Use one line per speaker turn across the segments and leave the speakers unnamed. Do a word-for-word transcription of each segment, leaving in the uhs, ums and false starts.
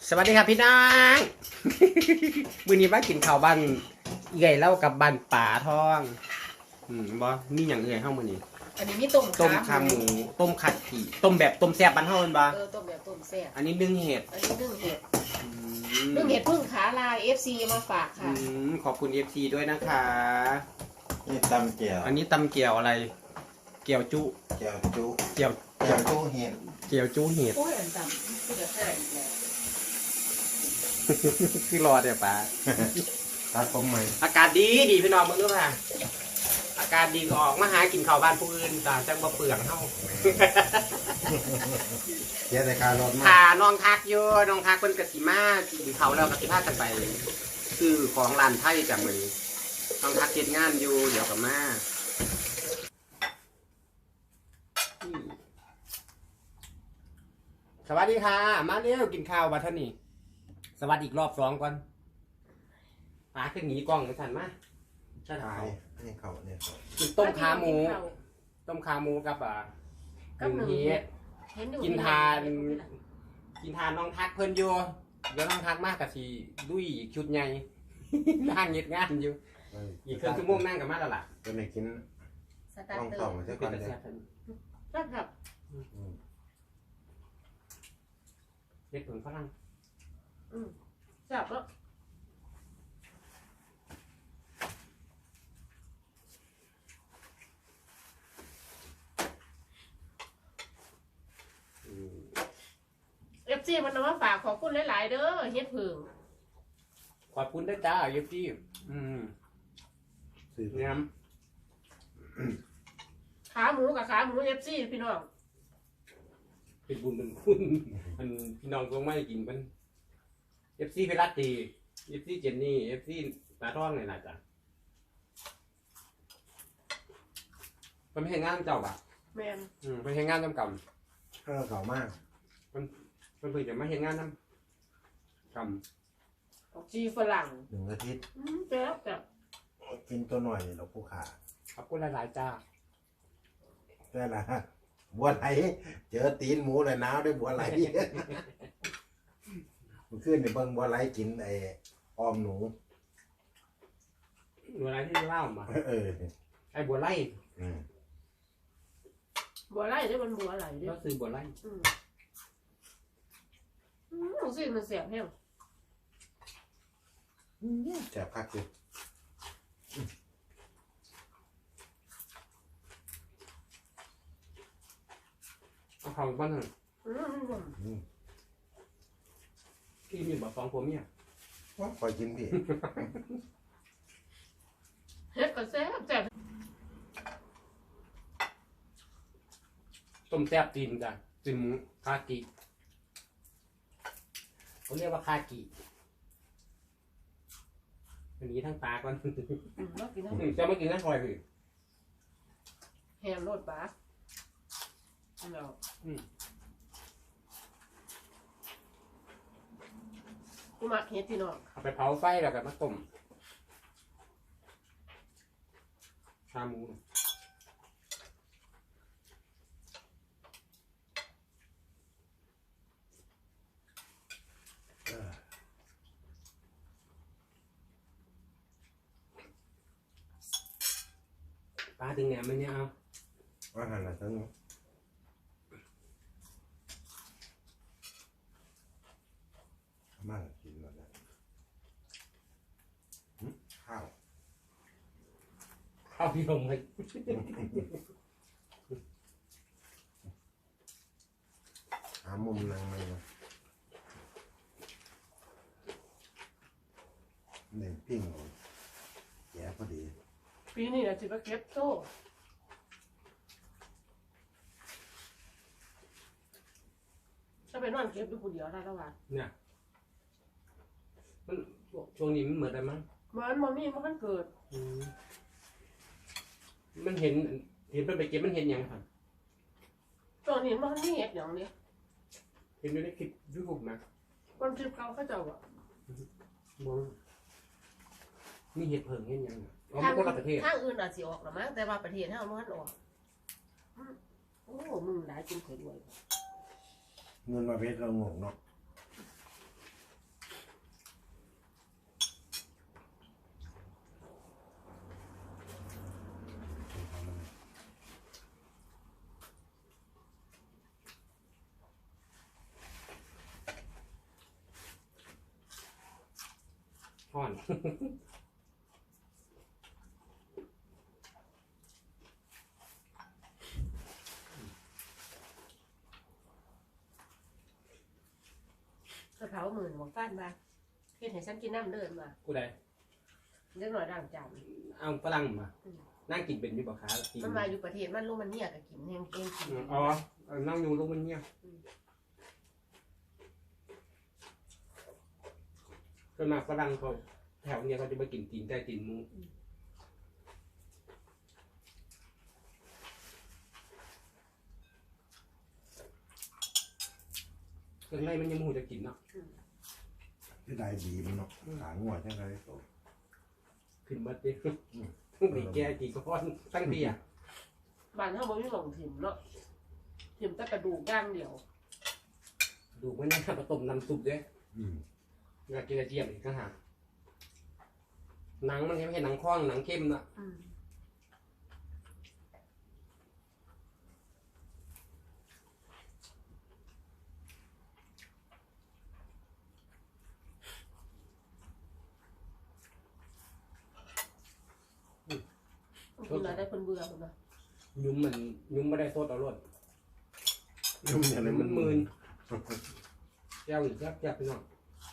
สวัสดีครับพี่น้องมื้อนี้มากินข้าวบ้านเอื่อยเล่ากับบ้านป่าทองอืมบ่มีหยังเอื่อยเฮามื้อนี้
อันนี้มีต้ม
ต้มขาหมูต้มขัดขี่ต้มแบบต้มแซ่บบ้านเฮาแม่นบ่
เออต้มแบบต้มแซ่บ
อันนี้นึ่งเห็ด
อันนี้นึ่งเห็ดนึ่งเห็ดพึ่งขาลาย เอฟ ซี มาฝากค่ะ
อืมขอบคุณ เอฟ ซี ด้วยนะคะ
นี่ตำเกี๊ยว
อันนี้ตำเกี๊ยวอะไรเกี๊ยวจุ
เกี๊ยวจุ
เกี๊ยว
เกี๊ยวจุเห็ด
เกี๊ยวจุเห็ด
โอ้ยอันตำคือจะแซ่บอีกแล้ว
คือรอเดี๋ยวป้า
ตัดผมใหม่
อากาศดีดีพี่น้องเบิ่งดูค่ะอากาศดีออกมาหากินข้าวบ้านผู้อื่นต่างจังบ่เปลืองเฮา
เกี๊ยวแต่คารถมา
ค่ะน้องทักอยู่น้องทักเพิ่นก็สิมากินข้าวแล้วก็สิพากันไปซื้อของร้านไทยจ้ะมื้อนี้น้องทักเฮ็ดงานอยู่เดี๋ยวก็มาสวัสดีค่ะมาเร็วกินข้าวบัดเท่านี้สวัสดีอีกรอบสองก่อนปลาขึ้นหนีกล้องกันสั่นมาใช่ไหม
นี่เขาเนี่ย
กินต้มขาหมูต้มขาหมูกับอ่าหนึ่งเฮ็ดกินทานกินทานน้องทักเพิ่นอยู่เดี๋ยวน้องทักมากกับสีดุยชุดใหญ่นั่งเงียบงานอยู่อีกเครื่องชั่วโมงนั่งกับมาแล้วล่ะ
เป็นไหนกินต้องต่อมาสักก่อนเลย
ครับครับ
เด็ดผลฝรั่ง
อืมจับแล้วเอฟซีมันเอามาฝากขอบคุณหลายๆเด้อเฮ็ดผึ่ง
ขอบคุณด้วยจ้าเอฟซีอืมเนี่ย
ขาหมูกับขาหมูเอฟซีพี่น้อง
เป็นบุญเป็นคุณมันพี่น้องคงไม่กินมันเอฟซีเพลัตตีเอฟซีเจนนี่เอฟซีตาท่องเลยนะจ๊ะมันไม่ใช่งานเจ้าป่ะ
แม่น
อืมไม่ใช่งานจำก
ำเออเก่ามาก
มันมันเพิ่งจะไม่ใช่งานน้ำก
ำชีฝรั่ง
หนึ่งอาทิตย์
อืมแซ่บแบบ
กินตัวหน่อยเราผู้ขา
ขอบคุณหลายๆจ้า
ได้ละบัวไหลเจอตีนหมูเลยน้าวด้วยบัวไหลมันขึ้นในเบิ้งบัวไหลกินไอ้ออมหนู
บัวไหลที่เล่ามา
เออ
ไอ้บัวไหล
บัวไหลได้มันบัวไหล
ก็คือบัวไหล
อืมอืมสิมันแซ่บแห้ง
แซ่บคักเลย
เอาข้าวบ้านหนึ่งพี่มีแบบฟองผมเนี่ย
ว่าคอยกินพี่
เฮ็ดก็แซ่บแซ่บ
ต้มแซ่บจีนจ้ะจีนหมูคากิเขาเรียกว่าคากิอันนี้ทั้งปลาก่อนจะไม่กินทั้งคอยคือ
แฮมโรดปลาแล้วกูมักเฮ็ดพี่น้อง
เอาไปเผาไฟแล้วก็มาต้มชาหมูปลาถึงแหนมมันเนี่ยเอา
อาหารอะไรทั้งนั้นมากกินแล้วนะข้าว
ข้าวพี่ลงเลย
หามุมนั่งเลยนะเน่งปิ้งแย่พอดี
ปีนี้นะจิบะเก็บโซ่ถ้าไปนอนเก็บดูคนเดียวได้แล้วว่ะ
เนี่ยมันช่วงนี้มันเหมือนอะไรมั้ง
มันมันมีมันเกิด
มันเห็นเห็นไปเก็บมันเห็นยังครับ
ตอนนี้มันนี่เห็ดอย่างนี้
เห็นอยู่ในคลิปยูทูบนะ
คนคลิปเขาเขาเจ้าอ่ะ
มีเห็ดเผิงเห็นยัง
ทางทางอื่นอาจจะออกหรือมั้งแต่ว่าประเทศเราไม่ออกโอ้มึงหลายกินเผ็ดด้วย
เงินมาเพชรเรางงเนาะ
ห้อน
กระเพราหมื่นบอกฟ้านมาเฮ็ดให้ฉันกินน้ำเดินมา
กูได้
เล็กหน่อยด่างจาน
เอาฝรั่งมานั่งกินเป็นอยู่บ่ค้ากิน
มันมาอยู่ประเทศมันลูกมันเนี่ยก็กินเองเองกิน
อ๋อเอานั่งอยู่ลูกมันเงียบก็มาฝรั่งเขาแถวเนี้ยเขาจะมากินตีนแต่ตีนหมูเครื่องในมันยังมูจะกินเนาะ
ที่ได้ดีมันเนาะหางหัวจังไดโต
ขึ้นมาดิมีแกกี่ก้อนตั้งเบียร์
บ้านเฮาบ่มีหม่องถิ่มเนาะถิ่มแต่กระดูกย่างเดียว
ดูมันนี่ผสมน้ำซุปด้วย
อืม
อยากกินกระเจี๊ยบอีกก็หาหนังมันไม่ใช่หนังคล้องหนังเข้มนะ
อืมคุณน่ะได้คนเบื่อพุ่นน่ะ
ยุ้มมันยุ้มไม่ได้โทษเอารถ
ยุ่งอย่างไร
มั
มัน น
มื
มื
น
น
แก้วหรือแก้วแก้วไปหน่อย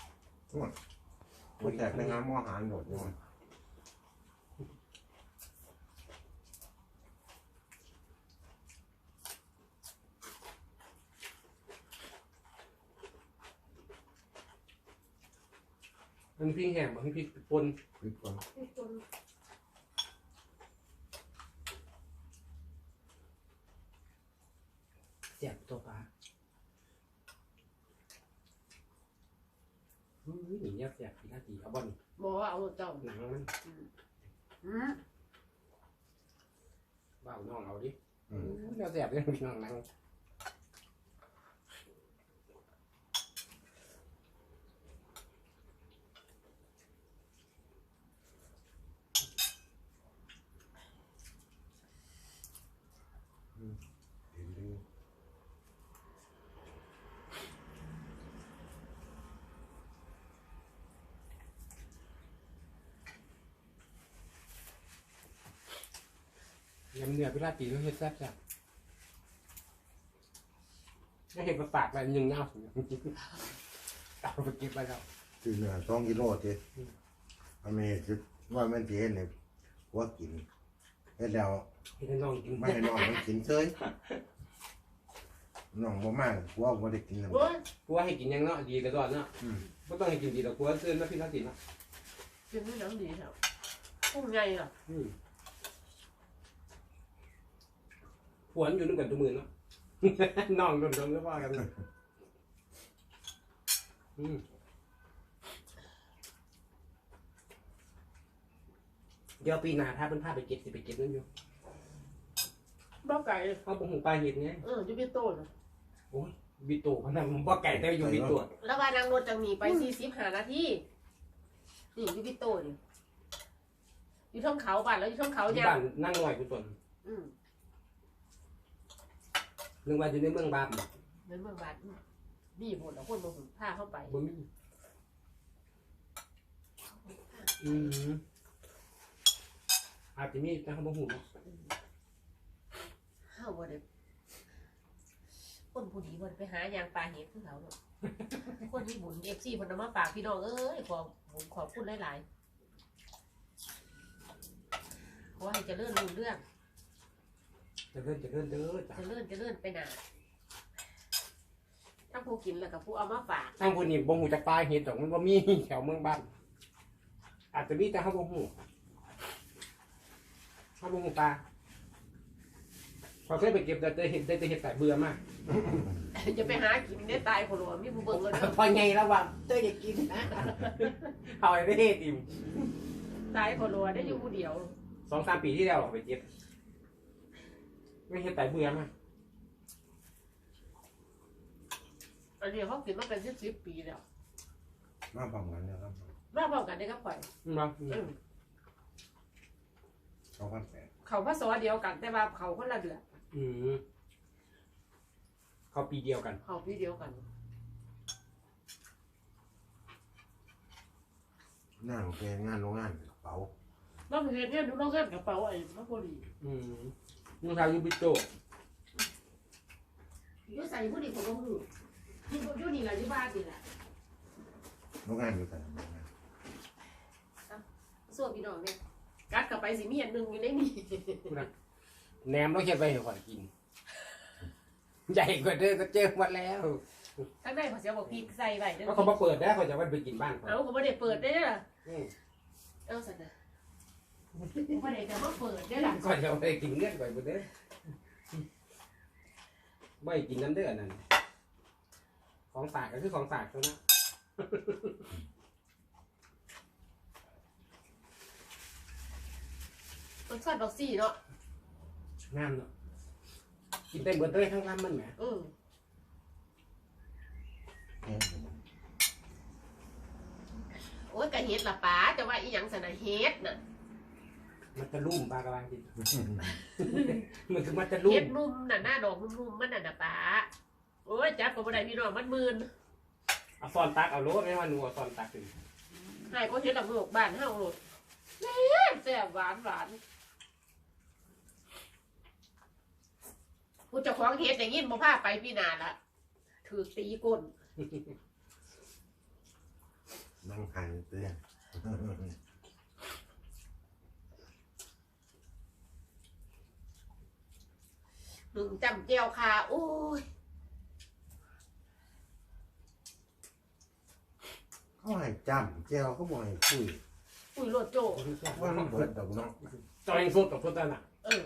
มาแจกในงานมออาหารโดดด้วย
มันพริกแห้งมันพริกปน
พริกก่อน
เสียบตัวปลาอุ้ยหนีเงียบเสียบพี่นาทีเอาบอล
บ่ว่าเอาเจ้า
หนังมัน
อืม
บ้าน้องเอาดิ
อืม
เดี๋ยวเสียบเลยพี่น้องหนัง
ดีดี
ยำเนื้อพี่นาทีต้องเฮ็ดแซ่บแซ่บไม่เห็นมาฝากอะไรยังเงาเอาไปเก็บไปแล้ว
คือเนื้อสองกิโลเจ็ดอเมริกว่ามันสิเห็นเนี่ยว่ากินเฮ็ดแล้ว
ให้น้องกิน
ไม่ให้น้องมันกินเฉยน้องบ่มากกลัวบ่ได้กินแล้ว
โอ้ย
กูว่าให้กินยังเนาะดีแต่ก่อนเนาะ
อืม
ไม่ต้องให้กินดีแต่กูว่าเตือนนะพี่นาทีเนาะ
กินนี่น้ำดีครับกุ้งใหญ่อ่ะ
อืมผวนอยู่นึกกันทุกมือเนาะ น้องโดนโดนก็ว่ากันอืมเดี๋ยวปีหน้าถ้าเป็นภาพไปเก็บสิไปเก็บนั่นอยู่
บ้าไก่
เขาบอกหงปลาเห็ดไง
เอออยู่พี่โต้น่ะ
โอ้ยบิโต้พนันผมว่าไก่แต่อยู่บิโต้
แล้วว่านางรถจังหนีไปสี่สิบห้านาทีนี่อยู่พี่โต้นี่อยู่ท่องเขาบ้านแล้วอยู่ท่องเขา
ที่
เนี่ย
บ้านนั่งหน่อยกูตน
อืม
นึกว่าอยู่ในเมืองบาป
เหมือนเมืองบ้านมีผลแล้วคนมาหุ่นผ้าเข้าไป
บ่มีอืมอาจจะมีแต่เขาบ่หูเนาะ
ห้าวบ่ได้คนผู้ดีบ่ได้ไปหายางปลาเห็ดคือเขาเนาะคนที่บุญเอฟซีเพิ่นเอามาฝากพี่น้องเอ้ยขอผมขอบคุณหลายๆขอให้เจริญรุ่งเรื่อง
จะเลื่อนจะเลื่อนเด้อจ้ะ
เจริญเจริญไปหนาทั้งผู้กินแล้วกับผู้เอามาฝาก
ทางคนนี้บ่หูจักปลาเห็ดดอกมันบ่มีแถวเมืองบ้านอาจจะมีแต่เขาบ่หูเขาบ่หูปลาพอเคยไปเก็บแต่แต่เห็ดแต่เห็ดแต่เบื่อมาก
จะไปหากินได้ตายคนละมีผู้เบิ่งเลยเด้อ
พอไงแล้วว่าเต้ยอยากกินนะเอาไอ้ไม่ได้อิ่ม
ตายคนละได้อยู่ผู้เดียว
สองสามปีที่แล้วเราไปเก็บไม่เห็ดแต่เบื่อมาก
อันนี้เขากินมาเป็นสิบสิบปีแล้ว
มาพร้อมกันนะครับ
มาพร้อมกันได้กับข่อย
เนาะ
อืม
สองพันแปด
เขาพระสวเดียวกัน แต่ว่าเขาคนละเดือน
อืมเขาปีเดียวกัน
เขาพี่เดียวกัน
มงานของแกงานโรงงานกระเป๋า
น้องเห็นเนี่ยดูน้องเห็นกระเป๋าไอ้น้องโพลี
อืมมึงทำยูบิโต
ยูใส่ผู้ดีของน้องหูที่ยูนี่แหละยูบ้านนี่แหละ
โรงงานอยู่แต่โรงงาน
ส่วนพี่น้องเนี่ยกัดกลับไปสิมีอันหนึ่งอยู่ในนี่
แหนมต้องเขียนไปให้ข่อยกิน ใหญ่กว่าเดิมก็เจอมาแล้ว
ทั้งได้ขอเสียบอกพี่ใส่ไว้เด้อ
ก็เขามาเปิดได้เขาจะว่าไปกินบ้านเขา
เอาเขาไม่ได้เปิดได้อล่ะ
อืม
เอาสันนะไม่ได้จะมาเปิดได้อล่ะ
ก่อนจะไปกินเงื่อนก่อนไปเด้อไม่กินน้ำเดือดนั่นของฝากก็คือของฝากเท่านั้น
รสชาติดอกซี่เนาะ
งามเนาะกินได้เบิดเลยทั้งลำมันแหม
อืม
แห้งอยู่
โอ้ยกะเฮ็ดละป๋าจะว่าอีหยังสนะเฮ็ดน่ะ
มันจะลุ่มปลากระบางกิน มันคือมันจะลุ่
เฮ็
ม
ดนุ่มน่ะหน้าดอกนุ่มๆมันน่ะนะป๋าโอ้ยจับก็บ่ได้พี่น้องมันมื่น
เอาซอนตักเอาโลดไม่ว่าหนูเอาซอนตักถึง
ให้ก็เฮ็ดละโงกบ้านเฮาโลดแซ่บแซ่บหวานหวานผู้เจ้าของเฮ็ดอย่างงี้บ่พาไปพี่นาละถือตีก้น
นั่งหันเตือน
หนึ่งจำเจียวคาโอ้ย
เขาให้จำเจ้าเขาบอกให้คุย
อุ้ยโลดโจ
ว่ามันเบิดดอกเนาะ
จอยสดกับสดนั่นน่ะ
เออ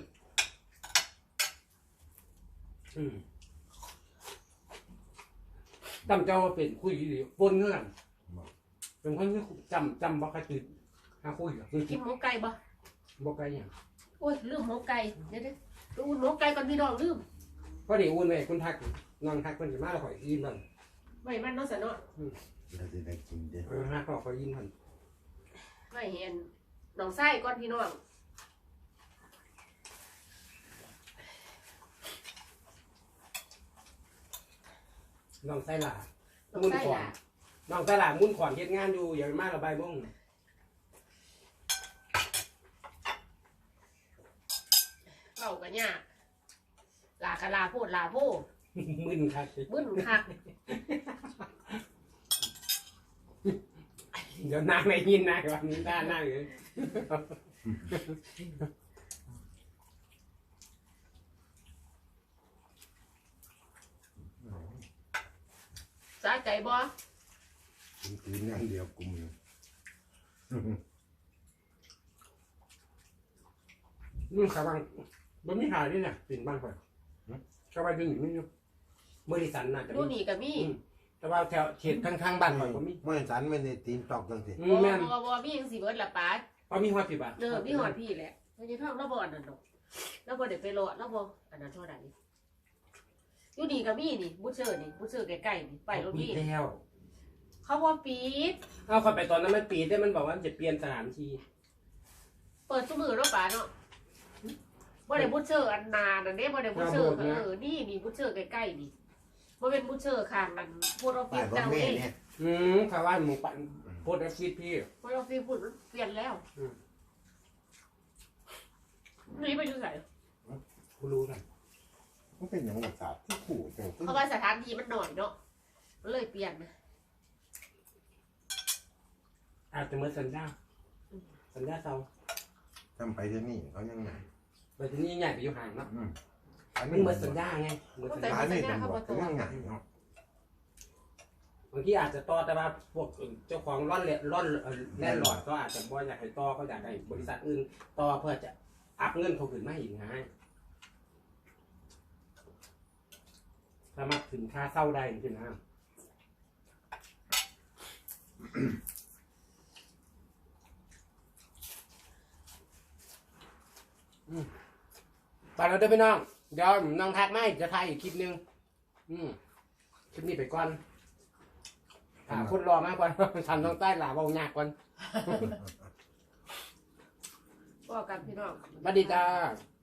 อืมจำเจ้าเป็นคุยดีปนเงื่อนเป็นคนที่จำจำบอกกระจุดหาคุยกับคือ
กินหมูไก่บ่
บอกไกลอย่าง
โอ้ยลืมหมูไก่เดี๋ยวเดี๋ยวดูหมูไก่ก่อนพี่น้องลืม
พอดีอุ่นเลยคุณทักนอนทักคนจะมาแล้วข่อยยินมัน
ไม่มันเนาะสะเนาะ
เราจะได้กินเด้อ
เออฮักก็ข่อยยินมัน
ไม่เห็นน้องไส้ก่อนพี่น้อง
น้องไส้หลา
น้องไส้ล่ะ
น้องไส้หลามุ่นขอนเฮ็ดงานอยู่อย่างมาระบายม่ง
เล่ากันยากลากะลาโพดลาโพด
มึนคัก
บึ้นคัก
เดี๋ยวนางไม่ยินนะวันนี้ด้านหน้าเลย
สาใจบ่
กินกินอย่างเดียวกลุ่มเลย
นี่ขบังบนมีขายนี่เนี่ยเป็นบ้านข่อยขบังดึงนี่อยู่บริษัทน่าจะ
ดู
มี
นี่ก็มี
แต่ว่าแถวเขตข้างๆบ้านข่อยก็มี
ไม่สันไม่ได้ตีนตอกจังสิ
อื
บ่
มแม่น
บ่บ่มีจังสิเบิดละป๋า
เพราะมีหัวสิบบาท
เด้อมีหอดพี่แหละไม่ใช่ท้องแล้วบ่อันนั้นดอกแล้วบ่ได้ไปรอแล้วบ่อันนั้นเท่าใดอยู่นี่ก็มีนี่บุชเชอร์นี่บุชเชอร์ใกล้ๆนี่ไปรถ
ปี
มี
แล้ว
เขาบ่ปิด
เอาเข้าไปตอนนั้นมันปีได้มันบอกว่าจะเปลี่ยนสถานที่
เปิดซุมือเนาะป๋าเนาะบ่ได้บุชเชอร์อันนานอันนี้บ่ได้บุชเชอร์เออนี่นี่บุชเชอร์ใกล้ๆนี่บ่เป็นบุชเชอร์ข้างนั้นโพดออฟฟิ
ป้าย
ศ
รถ
เจ้า
เม
เอ
ล์
ง
เนี่ย
อืมข่าวว่าหมูปั่นโพสต์แอฟฟิศพี่
โพดออฟฟิศพุ่นเปลี่ยนแล้วนี่ไปอยู่ไส
กูรู้นะ
มันเป็นอย่างหลักศาสตร์ที่ขู่แต่
เพราะว่าสถานที่มันหน่อยเนาะมันเลยเปลี่ยนนะ
อาจจะเหมื่อนสัญญาสัญญาเซา
ทำไปที่นี่เขายังไง
ไปที่นี่ใหญ่ไปอยู่ห่างเนาะ
อืมอัน
มั
นี้
นเห
เห
มื
มื
อ
อน น
สั
สั
ญ
ญ
ญา
ญา
ไงเหมือนสัญ
อั
ญาน
นี้ตำรวจเขายังไงเนาะ
บางทีอาจจะต่อแต่ว่าพวกเจ้าของร่อนเล่ร่อนแล่นหลอดก็อาจจะบ่อยากให้ต่อก็อยากให้บริษัทอื่นต่อเพื่อจะอัพเงินเขาขึ้นมาอีกไงสามารถถึงค่าเศร้าได้จริงๆนะไปแล้วเด้อพี่น้องเดี๋ยวน้องทักไม่จะถ่ายอีกคลิปนึงอืมคลิปนี้ไปก่อนหาคนรอมากกว่าทำน้องใต้หลาเบายากกว่า
บอกกันพี่น้อง
สวัสดีจ้า
ส